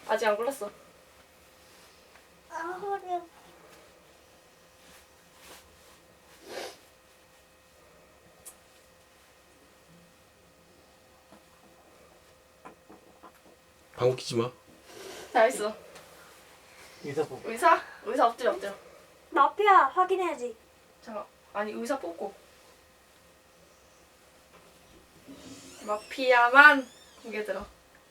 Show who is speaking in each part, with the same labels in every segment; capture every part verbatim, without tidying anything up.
Speaker 1: 아직 안 골랐어.
Speaker 2: 아 허리야.
Speaker 3: 방귀 끼지 마.
Speaker 1: 잘했어.
Speaker 4: 의사 뽑.
Speaker 1: 의사? 의사 엎드려 엎드려.
Speaker 2: 마피아 확인해야지.
Speaker 1: 잠깐. 아니 의사 뽑고. 마피아만 고개 들어.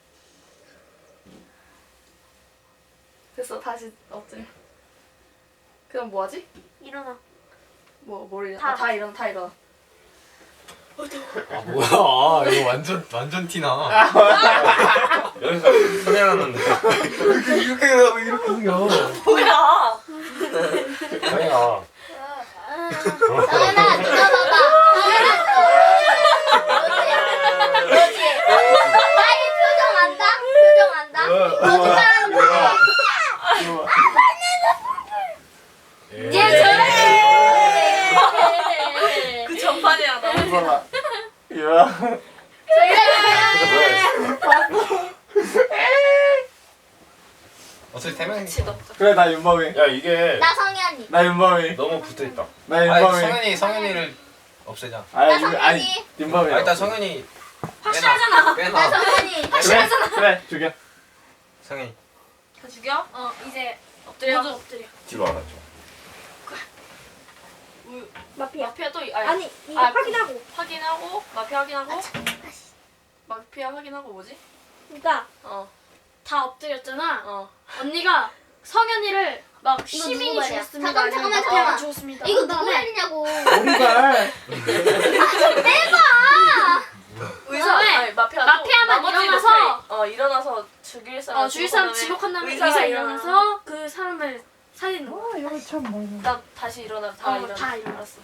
Speaker 1: 됐어. 다시 엎드려. 그럼 뭐하지?
Speaker 2: 일어나.
Speaker 1: 뭐, 뭘 일어나?
Speaker 2: 다.
Speaker 1: 아, 다 일어나, 다 일어나.
Speaker 3: 아 뭐야? 이거 완전 완전 티나. 여기서 소리나는데. 이렇게 이렇게 하고 이렇게 생겨.
Speaker 1: 뭐야?
Speaker 3: 아니야.
Speaker 2: 나연아 누나 봐봐. 그렇지. 그렇지. 나의 표정 안다. 표정 안다. 거짓말하는 거야. 얘 저래.
Speaker 1: 그 전판이야, 나.
Speaker 4: 봐봐. 이야.
Speaker 3: 어차피 세 명이.
Speaker 1: 같이 넣자.
Speaker 4: 그래 나 윤범이.
Speaker 3: 야 이게
Speaker 2: 나 성현이.
Speaker 4: 나 윤범이.
Speaker 3: 너무 붙어 있다.
Speaker 4: 나
Speaker 3: 아니
Speaker 4: 윤범이.
Speaker 3: 성현이 성현이를 없애자.
Speaker 4: 아니
Speaker 2: 나
Speaker 4: 윤-
Speaker 2: 성현이.
Speaker 4: 아니 윤범이.
Speaker 3: 아 일단 성현이
Speaker 2: 확실하잖아.
Speaker 3: 빼놔.
Speaker 2: 나 성현이.
Speaker 4: 그래 그래 죽여.
Speaker 3: 성현이
Speaker 1: 다 죽여?
Speaker 2: 어 이제
Speaker 1: 엎드려.
Speaker 2: 모두 엎드려.
Speaker 3: 뒤로 알았죠.
Speaker 1: 우-
Speaker 2: 마피아.
Speaker 1: 마피아 또, 이- 아니,
Speaker 2: 아니 이거
Speaker 1: 아,
Speaker 2: 확인하고.
Speaker 1: 확인하고, 마피아 확인하고, 마피아 확인하고 뭐지?
Speaker 2: 그러니까
Speaker 1: 어,
Speaker 5: 다 엎드렸잖아.
Speaker 1: 어.
Speaker 5: 언니가 성현이를 막
Speaker 2: 이거
Speaker 5: 시민이
Speaker 2: 누구 말이야?
Speaker 5: 죽었습니다.
Speaker 2: 잠깐, 잠깐만,
Speaker 5: 아니면
Speaker 2: 잠깐만.
Speaker 5: 마피아가 죽었습니다.
Speaker 2: 이거
Speaker 5: 한
Speaker 2: 누구
Speaker 5: 다음에
Speaker 2: 말이냐고.
Speaker 4: 오리발.
Speaker 1: 의사,
Speaker 5: 그다음에
Speaker 1: 아니, 마피아
Speaker 5: 마피아만
Speaker 1: 또 나머지
Speaker 5: 일어나서
Speaker 1: 마피아, 어, 일어나서 죽일 사람.
Speaker 5: 어, 주위 사람
Speaker 1: 지목한
Speaker 5: 지목한 다음에
Speaker 1: 의사가
Speaker 5: 의사
Speaker 1: 일어나.
Speaker 5: 일어나서 그 사람을 살리는 거야.
Speaker 4: 이거 참 많이.
Speaker 1: 나 다시 일어나, 다
Speaker 5: 어,
Speaker 1: 일어나.
Speaker 5: 다 일어나.
Speaker 1: 알았어.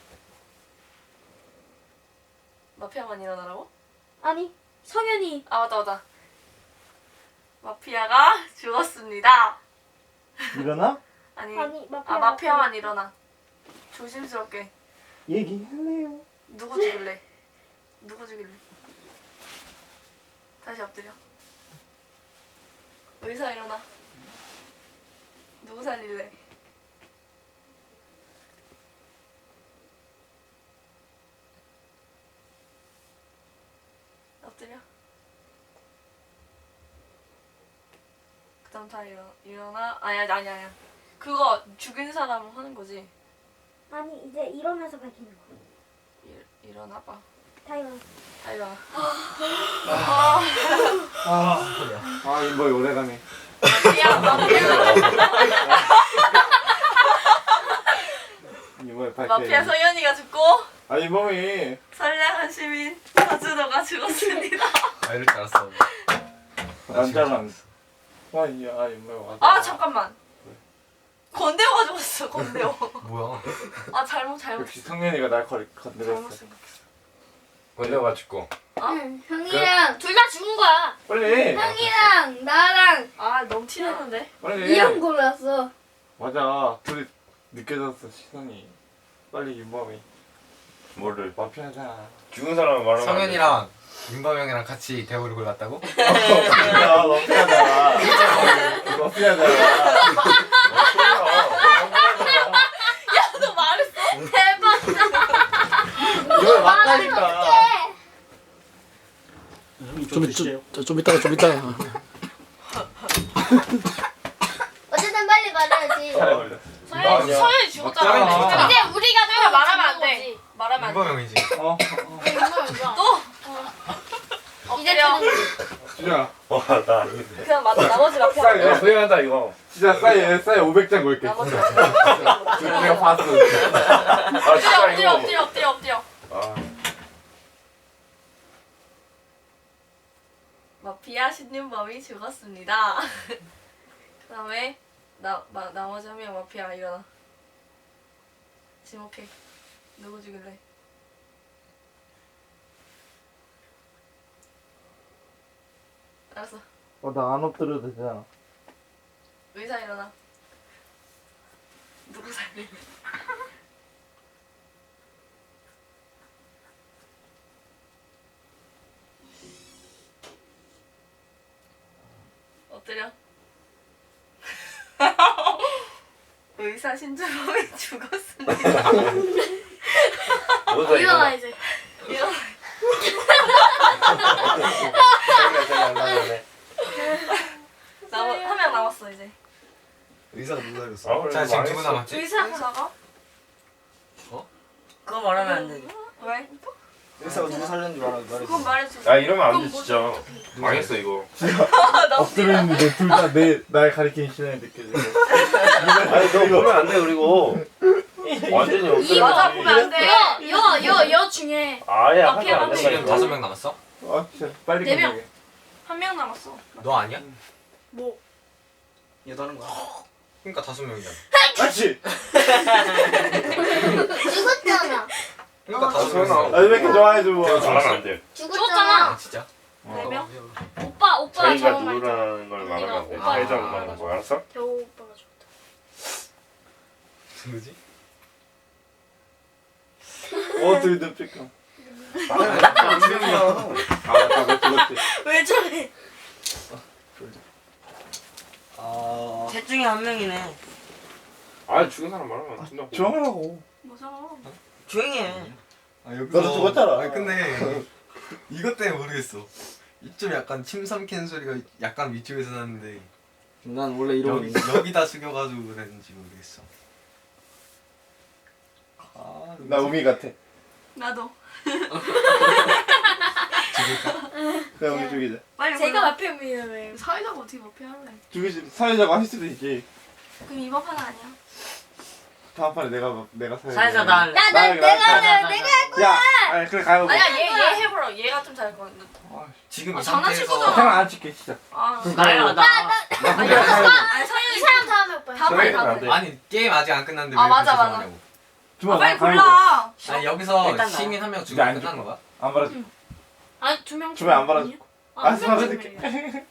Speaker 1: 마피아만 일어나라고?
Speaker 5: 아니 성현이
Speaker 1: 아, 맞다, 맞다. 마피아가 죽었습니다.
Speaker 4: 일어나?
Speaker 2: 아니
Speaker 1: 아니,
Speaker 2: 마피아.
Speaker 1: 아, 마피아만 일어나. 조심스럽게.
Speaker 4: 얘기할래요.
Speaker 1: 누구 죽일래? 누구 죽일래? 다시 엎드려. 의사 일어나. 누구 살릴래? 엎드려. 그 다음 다 일어, 일어나. 아니야, 아니야, 아니야. 그거 죽인 사람 하는 거지.
Speaker 2: 아니 이제 일어나서 밝히는 거.
Speaker 1: 일, 일어나봐.
Speaker 2: 다 일어나.
Speaker 1: 다 일어나.
Speaker 4: 아. 아 윤범이 오래가네.
Speaker 1: 마피아, 마피아.
Speaker 4: 윤범이 밝혀.
Speaker 1: 마피아 성현이가 죽고
Speaker 4: 아 윤범이.
Speaker 1: 선량한 시민 서준호가 죽었습니다.
Speaker 3: 아 이럴 줄 알았어.
Speaker 4: 남자랑. 아니야 아 윤범이 왔다.
Speaker 1: 아 잠깐만. 건대호가 죽었어. 건대호.
Speaker 3: 뭐야?
Speaker 1: 아 잘못 잘못
Speaker 4: 역시 성현이가 날 걸-
Speaker 1: 잘못
Speaker 4: 건드렸어.
Speaker 1: 생각했어.
Speaker 3: 건대가 죽고.
Speaker 2: 응, 형이랑
Speaker 5: 둘 다 죽은 거야.
Speaker 4: 빨리.
Speaker 2: 형이랑 나랑
Speaker 1: 아 너무 티나는데.
Speaker 4: 빨리.
Speaker 2: 이런 골랐어.
Speaker 4: 맞아. 둘이 느껴졌어 시선이. 빨리 윤범이.
Speaker 3: 뭐를?
Speaker 4: 마피아잖아.
Speaker 3: 죽은 사람 말하면.
Speaker 6: 성현이랑 윤범 형이랑 같이 대우를 골랐다고?
Speaker 4: 야 마피아잖아. 마피아잖아.
Speaker 1: 너 말했어?
Speaker 4: 이걸 맞다니까.
Speaker 7: 좀, 좀, 좀 이따가 좀 이따가
Speaker 2: 어쨌든 빨리 말해야지.
Speaker 4: 잘 걸려.
Speaker 1: 서현이
Speaker 3: 아니야.
Speaker 1: 서현이 죽었잖아.
Speaker 4: 맞잖아.
Speaker 5: 이제 우리가
Speaker 1: 그러니까
Speaker 5: 또
Speaker 1: 말하면 안
Speaker 5: 죽은
Speaker 1: 돼.
Speaker 5: 거지.
Speaker 1: 말하면 안 돼.
Speaker 6: 윤범 형이지.
Speaker 4: 어?
Speaker 5: 이제
Speaker 1: 엎드려.
Speaker 5: 죽은
Speaker 4: 진짜
Speaker 3: 와나 아닌데.
Speaker 1: 그냥 맞아. 나머지 마피아.
Speaker 4: 싸이
Speaker 3: 야 후회한다 이거.
Speaker 4: 진짜 싸이 싸이 오백 장 걸게.
Speaker 1: 나머지
Speaker 4: 진짜.
Speaker 1: 마피아.
Speaker 4: 내가 봤어.
Speaker 3: 아
Speaker 1: 엎드려
Speaker 3: 진짜
Speaker 1: 엎드려
Speaker 3: 이거.
Speaker 1: 엎드려 엎드려 엎드려.
Speaker 3: 아
Speaker 1: 마피아 신윤범이 죽었습니다. 그다음에 나 마, 나머지 한 명 마피아 일어나. 지목해. 누구 죽일래? 알았어.
Speaker 4: 어, 나 안 엎드려도 되잖아.
Speaker 1: 의사 일어나. 누구 살릴래? 엎드려. 의사 신주범이 죽었습니다.
Speaker 3: 뭐다
Speaker 5: 일어나
Speaker 3: 이거.
Speaker 5: 이제.
Speaker 1: 이런 남아 한명 남았어 이제.
Speaker 8: 의사가 누구 살렸어?
Speaker 3: 아, 그래,
Speaker 6: 자 지금
Speaker 3: 망했어.
Speaker 6: 누구 남았지?
Speaker 5: 의사.
Speaker 1: 의사가?
Speaker 9: 그거 말하면 안 돼.
Speaker 1: 왜?
Speaker 8: 의사가 누구 살렸는지 말하 말해.
Speaker 1: 그건 말해줘.
Speaker 3: 야 이러면 안 돼
Speaker 1: 그건
Speaker 3: 진짜. 망했어 이거.
Speaker 1: 나
Speaker 4: 엎드려 있는데 둘 다 내 날 가리키는 시선이 느껴져.
Speaker 3: 아니 너 보면 안 돼 그리고. 완전히 엎드려.
Speaker 1: 맞아 보면 안 돼.
Speaker 5: 여여여 중에
Speaker 3: 아예 하면
Speaker 5: 마피아
Speaker 3: 안
Speaker 5: 한
Speaker 6: 지금
Speaker 3: 된다니까.
Speaker 6: 다섯 명 남았어?
Speaker 4: 아 진짜 빨리
Speaker 5: 네 명.
Speaker 4: 끝내게.
Speaker 1: 한 명 남았어.
Speaker 6: 너 아니야?
Speaker 5: 뭐
Speaker 8: 얘 다른 거야.
Speaker 6: 그러니까 다섯 명이잖아.
Speaker 4: 그렇지.
Speaker 2: 죽었잖아.
Speaker 6: 그러니까
Speaker 3: 아,
Speaker 6: 다섯
Speaker 3: 설마.
Speaker 6: 명이잖아.
Speaker 4: 아 왜 이렇게 좋아해 줘.
Speaker 3: 잘하면 안 돼.
Speaker 2: 죽었잖아.
Speaker 6: 아 진짜?
Speaker 1: 네 명?
Speaker 5: 오빠 오빠
Speaker 3: 자기가
Speaker 5: 저거 말이야.
Speaker 3: 누구라는 걸 말하면 안 돼.
Speaker 5: 오빠.
Speaker 3: 사회자만 말하는 거 알았어?
Speaker 5: 겨우 오빠가 좋다.
Speaker 6: 누구지?
Speaker 4: 어 둘이 늪질까.
Speaker 3: 아 맞다 그렇지 그렇지.
Speaker 5: 왜 저래?
Speaker 8: 아.
Speaker 9: 셋 중에 한 명이네.
Speaker 3: 아 죽은 사람 말하면 안 된다고.
Speaker 4: 조용하라고.
Speaker 1: 무서워.
Speaker 9: 조용히 해.
Speaker 8: 아 여기.
Speaker 4: 너도 죽었잖아.
Speaker 6: 아니 근데 이것 때문에 모르겠어. 이쯤 약간 침 삼키는 소리가 약간 위쪽에서 나는데
Speaker 8: 난 원래 이러고
Speaker 6: 여기,
Speaker 8: 있는데.
Speaker 6: 여기다 숙여가지고 그랬는지 모르겠어.
Speaker 8: 아,
Speaker 4: 나 우미 같아.
Speaker 1: 나도.
Speaker 4: 그냥 우미 죽이자.
Speaker 1: 빨리
Speaker 5: 제가
Speaker 1: 골라.
Speaker 5: 마피아입니다. 왜?
Speaker 1: 사회자가 어떻게 마피아 할래?
Speaker 4: 죽이지 사회자가 할 수도 있지.
Speaker 1: 그럼 이번 판은 아니야.
Speaker 4: 다음 판에 내가 내가 사회자.
Speaker 9: 사회자 나 할래.
Speaker 2: 나나
Speaker 4: 나,
Speaker 2: 내가
Speaker 4: 나,
Speaker 2: 내가 내가
Speaker 4: 야, 아니 그래 가요.
Speaker 1: 아니야 얘 얘 해보라. 얘가 좀 잘할 것 같은데.
Speaker 6: 지금
Speaker 1: 아,
Speaker 6: 이
Speaker 1: 장난칠
Speaker 6: 상태에서
Speaker 1: 거잖아.
Speaker 4: 생각 안 찍게 진짜.
Speaker 1: 아.
Speaker 9: 나야 나.
Speaker 1: 아니 아니
Speaker 5: 이
Speaker 1: 성현이
Speaker 5: 사람 다음에 오빠.
Speaker 1: 다음에
Speaker 3: 저희는
Speaker 1: 다음에.
Speaker 3: 안 돼.
Speaker 6: 아니 게임 아직 안 끝났는데
Speaker 1: 아,
Speaker 6: 왜
Speaker 1: 맞아,
Speaker 6: 그렇게
Speaker 1: 맞아.
Speaker 6: 정하냐고.
Speaker 4: 주마
Speaker 1: 아, 빨리
Speaker 4: 가요.
Speaker 1: 골라.
Speaker 6: 아니 여기서
Speaker 9: 일단 나와.
Speaker 6: 시민 한 명
Speaker 4: 이제
Speaker 6: 죽으면
Speaker 4: 안
Speaker 6: 끝나는
Speaker 4: 죽고.
Speaker 6: 거야?
Speaker 4: 안 받아줘.
Speaker 5: 아니 두 명.
Speaker 4: 주변에 안 받아줘.
Speaker 5: 아,
Speaker 4: 알았어
Speaker 5: 한 명
Speaker 4: 받아줄게.
Speaker 5: 죽으면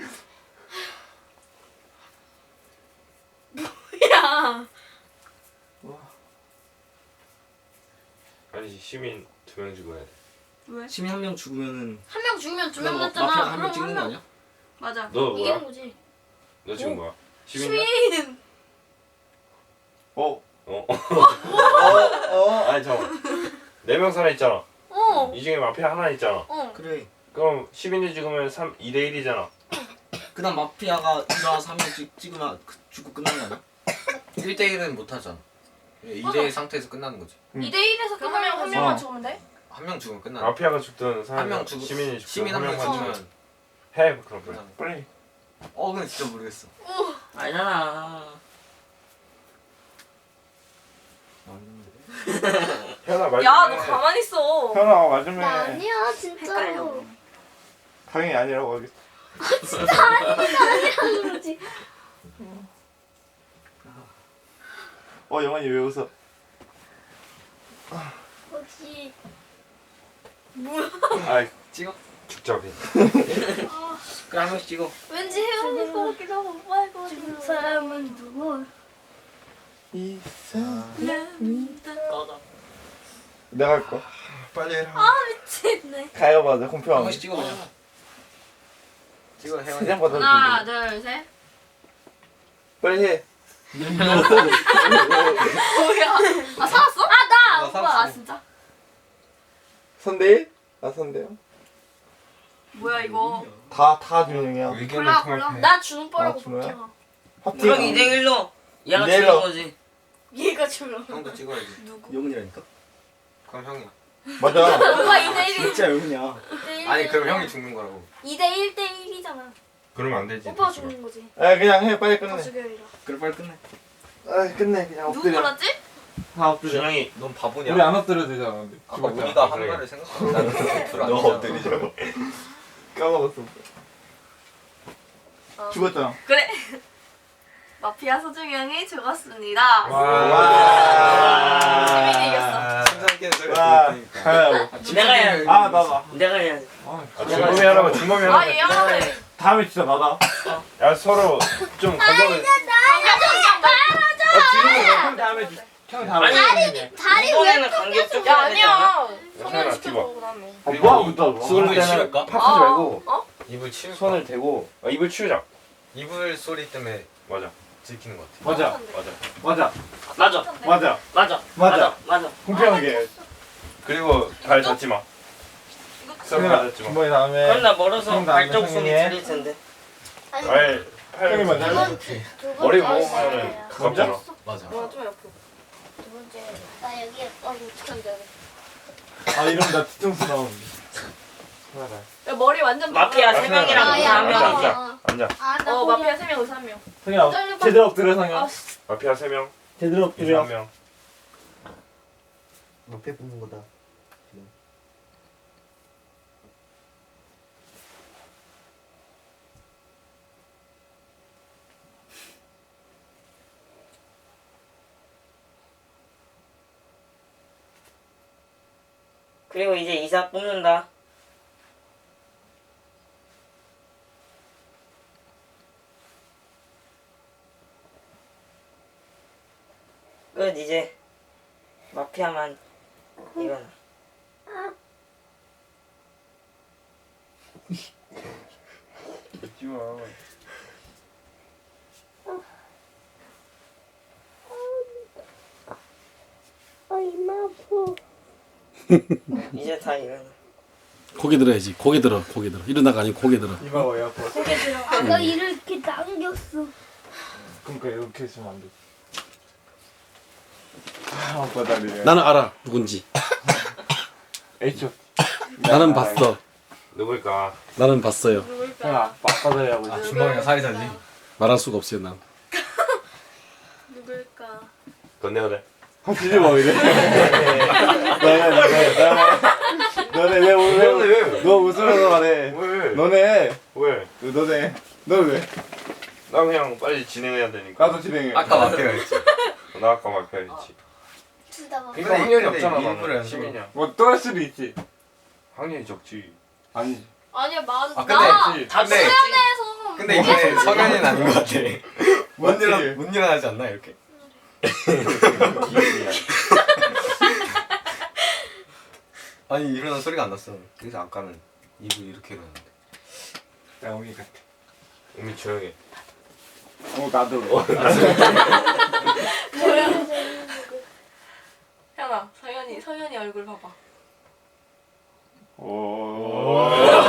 Speaker 5: 야.
Speaker 3: 아니지 시민 두 명 죽어야 돼.
Speaker 1: 왜?
Speaker 8: 시민 한 명 죽으면은
Speaker 5: 한 명 죽으면 두 명
Speaker 8: 그럼
Speaker 5: 맞잖아.
Speaker 8: 마피아 한 명
Speaker 5: 그럼
Speaker 8: 찍는
Speaker 5: 한
Speaker 8: 거
Speaker 5: 명.
Speaker 8: 아니야?
Speaker 1: 맞아.
Speaker 3: 너 뭐야?
Speaker 5: 이기는 거지.
Speaker 3: 너 지금 뭐야? 시민이야?
Speaker 5: 시민.
Speaker 4: 어.
Speaker 3: 어.
Speaker 4: 어.
Speaker 3: 아니 잠깐. 네명 살아 있잖아.
Speaker 5: 어.
Speaker 3: 이 중에 마피아 하나 있잖아.
Speaker 5: 어.
Speaker 8: 그래.
Speaker 3: 그럼 시민이 죽으면 삼 이 대 일이잖아.
Speaker 8: 그다음 마피아가 일어나서 한 명 찍으면 그- 죽고 끝나는 거 아니야?
Speaker 6: 일 대 일은 못 하잖아. 이 대 일 상태에서 끝나는 거지.
Speaker 5: 이 대 일에서
Speaker 1: 그럼 한 명 한
Speaker 5: 끝나는
Speaker 1: 명만
Speaker 4: 어.
Speaker 1: 죽으면 돼?
Speaker 6: 한 명 죽으면 끝나.
Speaker 3: 마피아가 죽든
Speaker 6: 한
Speaker 3: 사람
Speaker 6: 명 죽
Speaker 3: 시민이 죽든
Speaker 6: 시민 한 명
Speaker 3: 명만
Speaker 6: 죽으면
Speaker 3: 해 그럼 그래.
Speaker 6: 끝나는 거야.
Speaker 4: 빨리.
Speaker 6: 어 근데 진짜 모르겠어.
Speaker 9: 아니잖아.
Speaker 3: 현아 말.
Speaker 1: 야
Speaker 3: 좀
Speaker 1: 너
Speaker 3: 해.
Speaker 1: 가만히 있어.
Speaker 4: 현아 맞으면
Speaker 2: 나 아니야 진짜로.
Speaker 1: 헷갈려.
Speaker 4: 당연히 아니라고 하겠어.
Speaker 2: 그러지.
Speaker 4: 어 영환이 왜 웃어?
Speaker 2: 혹시
Speaker 3: 아이
Speaker 6: 찍어?
Speaker 3: 죽자 그냥.
Speaker 8: 그래 한 명씩 찍어.
Speaker 5: 왠지 혜원이 거 같기도 하고 오빠일 거 같기도 하고.
Speaker 2: 사람은 누구?
Speaker 4: 이
Speaker 9: 꺼져.
Speaker 4: 내가 할 거.
Speaker 6: 빨리 해라.
Speaker 5: 미치겠네.
Speaker 4: 가요 맞아
Speaker 6: 한
Speaker 4: 공평하게.
Speaker 6: 번씩 찍어 그냥. 찍어 혜원이.
Speaker 4: 세장 받아줘.
Speaker 1: 하나 둘 셋.
Speaker 4: 빨리 해.
Speaker 1: 뭐야? 아 살았어?
Speaker 5: 아나
Speaker 6: 나
Speaker 5: 오빠.
Speaker 1: 아
Speaker 6: 살았어.
Speaker 1: 진짜?
Speaker 4: 선대일? 나 선대요.
Speaker 1: 뭐야 이거?
Speaker 4: 다다 준영이야.
Speaker 6: 의견을
Speaker 1: 골라,
Speaker 6: 통합해.
Speaker 5: 나 주는 뽀라고
Speaker 4: 아, 준호야?
Speaker 5: 볼게요.
Speaker 9: 그럼 이 대 일로 얘가
Speaker 4: 이 대 일로.
Speaker 9: 죽는 거지.
Speaker 5: 얘가 주는.
Speaker 6: 형도 찍어야지.
Speaker 5: 누구?
Speaker 8: 영훈이라니까.
Speaker 6: 그럼 형이.
Speaker 4: 맞아.
Speaker 5: 오빠 이 대 일.
Speaker 8: 진짜 영훈이야.
Speaker 6: 아니 그럼 형이 죽는 거라고.
Speaker 5: 이 대 일 대 일이잖아.
Speaker 3: 그러면 안 되지.
Speaker 5: 오빠가 죽는 거지.
Speaker 4: 아 그냥 해 빨리
Speaker 5: 다
Speaker 4: 끝내.
Speaker 5: 죽여이라.
Speaker 8: 그래 빨리 끝내.
Speaker 4: 아 끝내 그냥
Speaker 1: 누구
Speaker 4: 엎드려.
Speaker 1: 골랐지?
Speaker 4: 다 엎드려.
Speaker 3: 준영이
Speaker 6: 넌 바보냐?
Speaker 4: 우리 안 엎드려도 되잖아. 근데.
Speaker 6: 아까
Speaker 4: 죽었잖아.
Speaker 6: 우리가 한
Speaker 3: 그래.
Speaker 6: 말을 생각하고 나는 엎드려.
Speaker 3: 너 엎드리자.
Speaker 4: 까먹었어.
Speaker 1: 어.
Speaker 4: 죽었잖아.
Speaker 1: 그래. 마피아 소중형이 죽었습니다.
Speaker 4: 와.
Speaker 1: 시민이 이겼어.
Speaker 6: 심상키는 소리가
Speaker 4: 와.
Speaker 6: 들렸으니까.
Speaker 4: 가요.
Speaker 9: 내가 해야 돼.
Speaker 4: 아 나다.
Speaker 9: 내가 해야 돼.
Speaker 3: 아, 준범이 하라고 준범이 하라고.
Speaker 1: 아얘 하나만.
Speaker 4: 다음에 진짜 나다.
Speaker 3: 야 서로 좀 가정을.
Speaker 4: 형 다음에 주- 형 다음에.
Speaker 2: 다리
Speaker 9: 이번에는 간격 좀
Speaker 1: 야
Speaker 9: 해야 되지 않아?
Speaker 1: 아니야.
Speaker 3: 괜찮아,
Speaker 1: 성현
Speaker 3: 뒤봐.
Speaker 1: 시켜줘 그다음에.
Speaker 4: 아 뭐야 웃다.
Speaker 3: 손을
Speaker 6: 입을
Speaker 3: 때는
Speaker 6: 치울까?
Speaker 3: 팍하지 말고
Speaker 1: 어?
Speaker 6: 입을 치울까?
Speaker 3: 손을 대고 어, 입을 치우자.
Speaker 6: 이불 소리 때문에
Speaker 3: 맞아.
Speaker 6: 들키는 것 같아.
Speaker 4: 맞아.
Speaker 3: 맞아.
Speaker 4: 맞아.
Speaker 9: 맞아.
Speaker 4: 맞아.
Speaker 9: 맞아.
Speaker 4: 맞아.
Speaker 9: 맞아.
Speaker 4: 공평하게.
Speaker 3: 그리고 발 닿지 마. 서로 발 닿지 마.
Speaker 4: 준범이 다음에.
Speaker 9: 그럼 나 멀어서
Speaker 4: 형 다음에
Speaker 9: 발톱 소리
Speaker 4: 성인이.
Speaker 9: 들릴 텐데.
Speaker 3: 발, 팔.
Speaker 4: 형이 먼저
Speaker 2: 두
Speaker 4: 할래?
Speaker 2: 번째. 두
Speaker 3: 머리
Speaker 2: 번째.
Speaker 3: 모으면은 가깝잖아.
Speaker 6: 맞아.
Speaker 1: 와, 좀 옆으로.
Speaker 2: 두 번째. 나 여기 어 어떡한지 알아.
Speaker 4: 아 이러면 나 뒤통수 나오는데. 하나다.
Speaker 1: 야, 머리 완전
Speaker 9: 마피아
Speaker 1: 빨라.
Speaker 9: 세 명이랑
Speaker 2: 아,
Speaker 9: 의사
Speaker 2: 야,
Speaker 9: 한
Speaker 3: 앉아,
Speaker 9: 명.
Speaker 3: 앉아. 앉아.
Speaker 2: 아, 나
Speaker 1: 어,
Speaker 2: 거기-
Speaker 1: 마피아 세 명, 의사 한 명.
Speaker 4: 성현아
Speaker 2: 떨려봐.
Speaker 4: 제대로 엎드려 성현.
Speaker 1: 아, 씨.
Speaker 3: 마피아 세 명,
Speaker 4: 제대로
Speaker 3: 이사
Speaker 4: 엎드려.
Speaker 3: 한 명.
Speaker 6: 옆에 뽑는 거다.
Speaker 9: 그리고 이제 이사 뽑는다. 끝 이제 마피아만 일어나.
Speaker 3: 잊지 마.
Speaker 2: 어 이마 아파.
Speaker 9: 이제 다 일어나.
Speaker 7: 고개 들어야지. 고개 들어. 고개 들어. 일어나가 아니고 고개 들어.
Speaker 4: 이마 왜 아파?
Speaker 2: 아까 이렇게 당겼어.
Speaker 4: 그러니까 이렇게 있으면 안 돼. 아 아빠 다리.
Speaker 7: 나는 알아. 누군지.
Speaker 4: H.
Speaker 7: 나는 봤어.
Speaker 3: 누굴까?
Speaker 7: 나는 봤어요.
Speaker 4: 형아 아빠 다리 하고
Speaker 6: 아
Speaker 4: 있어.
Speaker 6: 준범이랑 살이 달리.
Speaker 7: 말할 수가 없어요, 난.
Speaker 1: 누굴까?
Speaker 3: 건네야 돼.
Speaker 4: 아 뒤집어 이래. 너네 너네 너네 너네 왜 왜? 너 웃으면서 말해.
Speaker 3: 왜?
Speaker 4: 너네
Speaker 3: 왜?
Speaker 4: 너네 너 왜?
Speaker 3: 나 그냥 빨리 진행해야 되니까.
Speaker 4: 나도 진행해.
Speaker 6: 아까 마피아 했지.
Speaker 3: 나 아까 마피아 했지.
Speaker 2: 둘다 막.
Speaker 3: 그러니까 확률이
Speaker 6: 근데
Speaker 3: 없잖아.
Speaker 6: 일부러
Speaker 3: 나는
Speaker 6: 연습을-
Speaker 3: 시민이야.
Speaker 4: 뭐또 할 수도 있지.
Speaker 3: 확률이 적지.
Speaker 4: 아니지.
Speaker 5: 아니야 맞아.
Speaker 6: 아, 근데-
Speaker 5: 나
Speaker 4: 그치.
Speaker 9: 다
Speaker 6: 근데
Speaker 5: 수련회에서
Speaker 6: 근데 이게 성현이는 아닌 것 같아. 못
Speaker 4: 맞지?
Speaker 6: 일어 못 일어나지 않나 이렇게?
Speaker 3: 기분이야.
Speaker 6: 아니 일어난 소리가 안 났어. 그래서 아까는 입을 이렇게 일어났는데.
Speaker 4: 나 오미 같아.
Speaker 3: 우미 조용해.
Speaker 4: 어 나도.
Speaker 1: 현아, 서현이, 서현이 얼굴 봐봐.
Speaker 4: 오.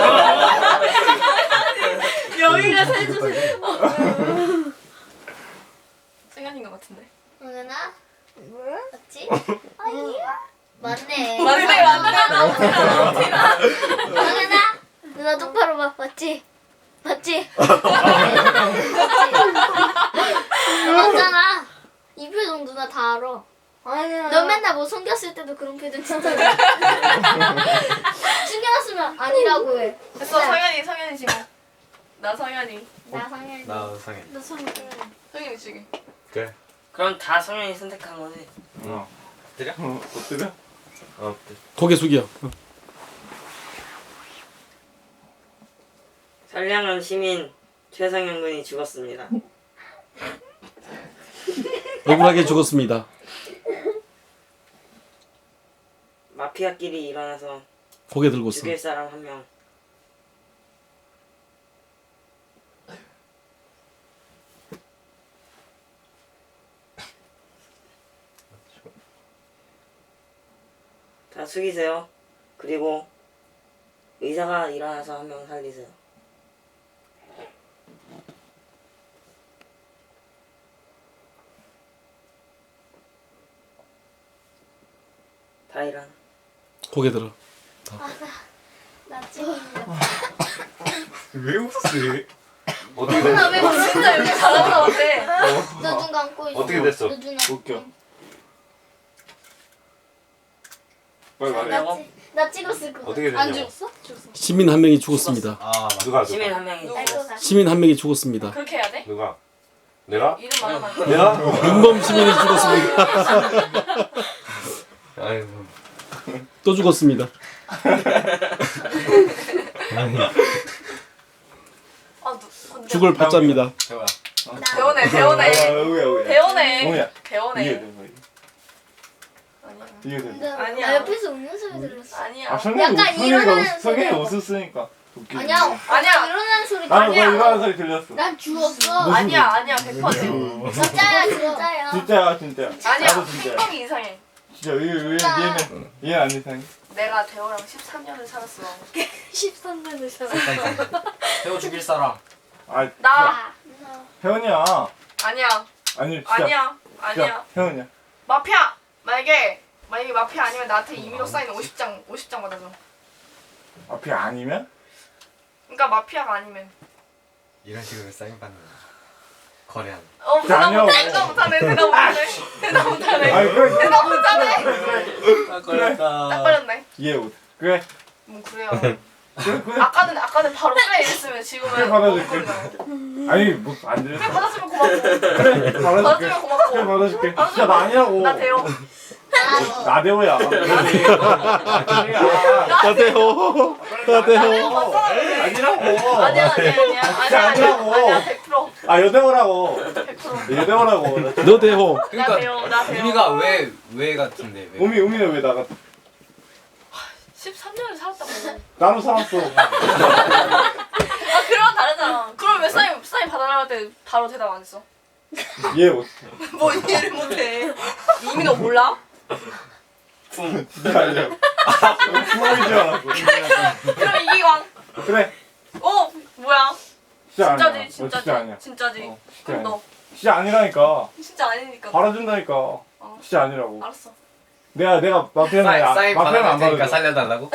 Speaker 1: 여기가 세주세. 서현인 것 같은데.
Speaker 2: 성현아. 맞지? 아니야. 맞네.
Speaker 1: 맞네, 맞네. 나오지마, 나오지마.
Speaker 2: 성현아. 누나 똑바로 봐. 맞지? 맞지? 맞잖아. 이 표정 누나 다 알아.
Speaker 5: 아니야.
Speaker 2: 너 맨날 뭐 숨겼을 때도 그런 표정 진짜 해. 숨겨놨으면 아니라고 해.
Speaker 1: 됐어, 서현이, 서현이 지금. 나 서현이.
Speaker 2: 나 성현이.
Speaker 6: 나 성현.
Speaker 2: 나 성현이.
Speaker 1: 서현이 지금.
Speaker 3: 그래.
Speaker 9: 그럼 다 성현이 선택한 거지.
Speaker 3: 어.
Speaker 6: 엎드려?
Speaker 4: 어 엎드려?
Speaker 3: 어.
Speaker 7: 고개 숙여. 어.
Speaker 9: 선량한 시민 최상현 군이 죽었습니다.
Speaker 7: 억울하게 죽었습니다.
Speaker 9: 마피아끼리 일어나서
Speaker 7: 고개 들고 있어.
Speaker 9: 죽일 사람 한 명. 다 숙이세요. 그리고 의사가 일어나서 한 명 살리세요. 다 일어나.
Speaker 7: 고개 들어.
Speaker 2: 나 지금.
Speaker 6: 왜 웃었어?
Speaker 3: 어떻게
Speaker 2: 누나
Speaker 3: 됐어?
Speaker 2: 왜 그러는
Speaker 1: 진짜 여기 잘한다, 어때?
Speaker 2: 너눈 감고 있어.
Speaker 3: 어떻게 됐어?
Speaker 2: 너 눈.
Speaker 4: 웃겨. 빨리 말해.
Speaker 2: 나, 찍- 나 찍었을 거.
Speaker 3: 어떻게
Speaker 2: 안
Speaker 3: 됐냐고.
Speaker 2: 죽었어? 죽었어.
Speaker 7: 시민 한 명이 죽었습니다.
Speaker 6: 아 맞아.
Speaker 3: 누가
Speaker 9: 시민
Speaker 3: 누가?
Speaker 9: 한 명이
Speaker 1: 누구?
Speaker 2: 알고
Speaker 9: 죽었어.
Speaker 2: 가.
Speaker 7: 시민 한 명이 죽었습니다.
Speaker 1: 그렇게 해야 돼?
Speaker 3: 누가? 내가?
Speaker 1: 이름 말하면 안 돼.
Speaker 3: 내가?
Speaker 7: 윤범 시민이 죽었습니다.
Speaker 3: 아이고.
Speaker 7: 또 죽었습니다.
Speaker 1: 아, 누, 근데
Speaker 7: 죽을 받자입니다.
Speaker 6: 해봐.
Speaker 1: 배우네,
Speaker 4: 아,
Speaker 1: 배우네.
Speaker 4: 우야 우야.
Speaker 1: 배우네.
Speaker 4: 뭐야? 이게
Speaker 1: 배우네.
Speaker 4: 돼.
Speaker 1: 아니야.
Speaker 4: 이게 돼.
Speaker 2: 근데
Speaker 1: 아니야.
Speaker 2: 나 옆에서 웃는 소리 들었어.
Speaker 1: 아니야.
Speaker 4: 아 성현이
Speaker 2: 약간
Speaker 4: 웃- 성현이가
Speaker 2: 일어나는
Speaker 4: 웃- 성현이
Speaker 2: 소리가
Speaker 4: 웃었으니까. 웃기지.
Speaker 2: 아니야.
Speaker 1: 아니야.
Speaker 2: 일어나는 소리.
Speaker 4: 나도 너
Speaker 1: 아니야.
Speaker 4: 일어나는 소리 들렸어.
Speaker 2: 난 죽었어.
Speaker 1: 아니야 아니야 백 퍼센트.
Speaker 2: 진짜야 진짜야.
Speaker 4: 진짜야 진짜.
Speaker 1: 아니야
Speaker 4: 나도 진짜야.
Speaker 1: 행동이 이상해.
Speaker 4: 진짜 왜, 왜
Speaker 2: 진짜.
Speaker 4: 얘는 얘는 안 이상해.
Speaker 1: 내가 대호랑 십삼 년을 살았어.
Speaker 2: 십삼 년을 살았어.
Speaker 3: 태워 죽일 사람.
Speaker 4: 아
Speaker 1: 나
Speaker 4: 혜원이야.
Speaker 1: 아니야
Speaker 4: 아니 진짜.
Speaker 1: 아니야 아니야.
Speaker 4: 진짜 혜원이야.
Speaker 1: 마피아 만약에 만약에 마피아 아니면 나한테 임의로 사인 오십 장 오십 장 받아줘.
Speaker 4: 앞이 아니면?
Speaker 1: 그러니까 마피아가 아니면.
Speaker 3: 이런 식으로 사인 받는 거래하는.
Speaker 1: 어 대답
Speaker 4: 아니라고.
Speaker 1: 못해 대답 못하네 대답 못하네 대답 못하네
Speaker 4: 아니 그래
Speaker 1: 대답 못하네.
Speaker 8: 딱
Speaker 4: 그래.
Speaker 1: 딱 걸렸네.
Speaker 4: 이해 못. 그래
Speaker 1: 뭐 그래요.
Speaker 4: 그래 그래.
Speaker 1: 아까는 아까는 바로 그래 이랬으면
Speaker 4: 그래
Speaker 1: 지금은
Speaker 4: 받아줄게.
Speaker 1: 엉거리잖아.
Speaker 4: 아니 뭐안
Speaker 1: 그래
Speaker 4: 들렸어.
Speaker 1: 받았으면 고맙고.
Speaker 4: 그래 받아줄게.
Speaker 1: 받았으면
Speaker 4: 그래
Speaker 1: 고맙고.
Speaker 4: 받아줄게. 진짜 나 아니라고.
Speaker 1: 나 대호.
Speaker 4: 나대호야.
Speaker 7: 나대호. 나대호.
Speaker 4: 아니라고.
Speaker 1: 아니야 아니야 아니야 아니야
Speaker 4: 아니라고.
Speaker 1: 아니야 백 퍼센트
Speaker 4: 아 여대호라고.
Speaker 1: 백 퍼센트.
Speaker 4: 여대호라고.
Speaker 7: 너 대호.
Speaker 1: 나
Speaker 3: 그러니까
Speaker 1: 대호 나 대호.
Speaker 3: 우리가 왜 왜 같은데 왜?
Speaker 4: 우미 우미는 왜 나가?
Speaker 1: 십삼 년을 살았다고.
Speaker 4: 나도 살았어.
Speaker 1: 아 그럼 다르잖아. 그럼 왜 사인 사인 받아달라고 할 때 바로 대답 안 했어?
Speaker 4: 이해 못.
Speaker 1: 뭐 이해를 못해. 이미 너 몰라?
Speaker 4: 진짜 아니야. 구멍인 줄 알았어.
Speaker 1: 그럼 이기광.
Speaker 4: 그래.
Speaker 1: 어 뭐야?
Speaker 4: 진짜 아니야.
Speaker 1: 진짜지
Speaker 4: 너
Speaker 1: 진짜지
Speaker 4: 진짜 아니야.
Speaker 1: 진짜지.
Speaker 4: 어, 진짜
Speaker 1: 그럼
Speaker 4: 아니야.
Speaker 1: 너
Speaker 4: 진짜 아니라니까.
Speaker 1: 진짜 아니니까.
Speaker 4: 받아준다니까.
Speaker 1: 어.
Speaker 4: 진짜 아니라고.
Speaker 1: 알았어.
Speaker 4: 내가 내가 마피아는
Speaker 3: 사인,
Speaker 4: 아-
Speaker 3: 사인
Speaker 4: 마피아는 안
Speaker 3: 받아줄 테니까
Speaker 4: 받아줘.
Speaker 3: 살려달라고?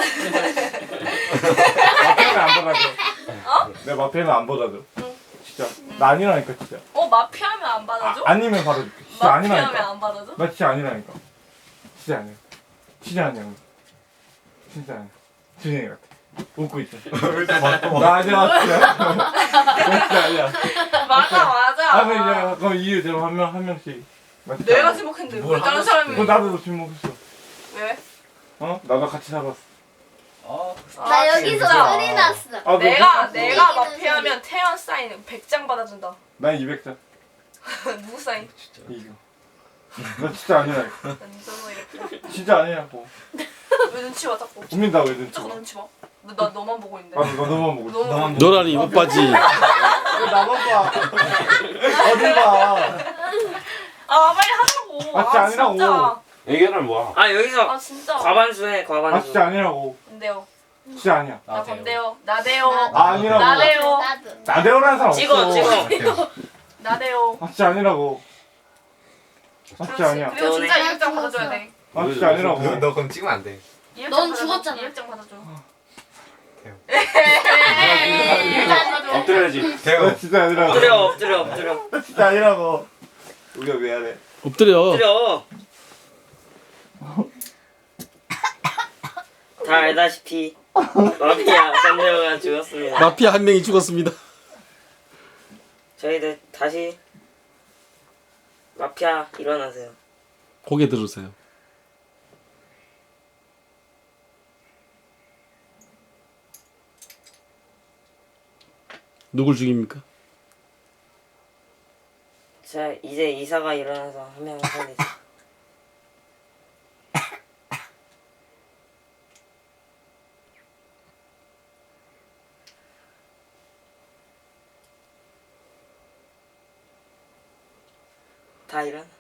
Speaker 4: 마피아는 안 받아줘. 내가 마피아는 안 받아줘.
Speaker 1: 응.
Speaker 4: 진짜 나 아니라니까 진짜.
Speaker 1: 어 마피아면 안 받아줘?
Speaker 4: 아, 아니면 받아줄게. 진짜
Speaker 1: 마피아면
Speaker 4: 아니라니까.
Speaker 1: 안 받아줘?
Speaker 4: 나 진짜 아니라니까. 진짜 아니야. 진짜 아니야. 진짜 아니야. 준영이 같아. 웃고 있어. 나 아니야 진짜. 나 진짜 아니야.
Speaker 1: 맞아 맞아.
Speaker 4: 아 그럼 이제 그럼 이유 대로 한 명 한 명씩. 나 진짜
Speaker 1: 내가
Speaker 4: 아니야.
Speaker 1: 지목했는데
Speaker 3: 뭘
Speaker 1: 왜 다른
Speaker 3: 하고
Speaker 1: 사람이
Speaker 4: 그럼 나도 지목했어.
Speaker 1: 왜?
Speaker 4: 어? 나도 같이 살았어.
Speaker 3: 어.
Speaker 2: 나
Speaker 1: 아,
Speaker 2: 여기서
Speaker 1: 진짜.
Speaker 2: 소리 났어.
Speaker 4: 아, 너
Speaker 1: 내가
Speaker 4: 진짜-
Speaker 1: 내가
Speaker 2: 이기는
Speaker 1: 마피아면 태연 사인 백 장 받아준다.
Speaker 4: 난 이백 장.
Speaker 1: 누구 사인?
Speaker 4: 이거. 나 진짜 아니라니까.
Speaker 1: 완전 이렇게.
Speaker 4: 진짜 아니라고.
Speaker 1: 왜 눈치 봐 자꾸.
Speaker 4: 우민 나왜 눈치
Speaker 1: 자꾸
Speaker 4: 봐?
Speaker 1: 눈치 봐. 너, 나 너만 보고 있는데.
Speaker 4: 아, 너 너만 보고 있어.
Speaker 1: 너무
Speaker 3: 너만
Speaker 7: 너라니 오빠지.
Speaker 4: 왜 나만 봐? 어딜 봐?
Speaker 1: 아 빨리 하자고.
Speaker 4: 아, 진짜 아니라고.
Speaker 1: 진짜.
Speaker 7: 얘기는 뭐야?
Speaker 9: 아 여기서
Speaker 1: 아 진짜.
Speaker 9: 과반수해
Speaker 4: 아
Speaker 9: 과반수.
Speaker 4: 진짜 아니라고.
Speaker 1: 안돼요.
Speaker 4: 진짜 아니야.
Speaker 1: 나 건데요. 나대요.
Speaker 4: 아 아니라고.
Speaker 1: 나대요.
Speaker 2: 나도.
Speaker 4: 나대호라는 사람 없어.
Speaker 9: 찍어 찍어.
Speaker 1: 나대요.
Speaker 4: 아 진짜 아니라고. 아 진짜
Speaker 1: 그렇지.
Speaker 4: 아니야.
Speaker 1: 그리고 진짜
Speaker 2: 때문에.
Speaker 1: 이백 장 받아줘야 돼.
Speaker 4: 아 진짜 아니라고.
Speaker 3: 너, 너 그럼 찍으면 안 돼.
Speaker 1: 이백
Speaker 2: 넌
Speaker 1: 장 받아줘.
Speaker 2: 죽었잖아.
Speaker 1: 이백 장 받아줘.
Speaker 3: 에이.
Speaker 1: 이백 장 받아줘.
Speaker 7: 엎드려야지.
Speaker 4: 나
Speaker 3: 태워.
Speaker 4: 진짜 아니라고.
Speaker 9: 엎드려 엎드려 엎드려
Speaker 4: 나 진짜 아니라고. 우리가 왜 하래?
Speaker 7: 엎드려.
Speaker 9: 엎드려. 다 알다시피 마피아 샌데오가 죽었습니다.
Speaker 7: 마피아 한 명이 죽었습니다.
Speaker 9: 저희들 다시 마피아 일어나세요.
Speaker 7: 고개 들으세요. 누굴 죽입니까?
Speaker 9: 자 이제 이사가 일어나서 한 명을 살리세요. 다 일어나.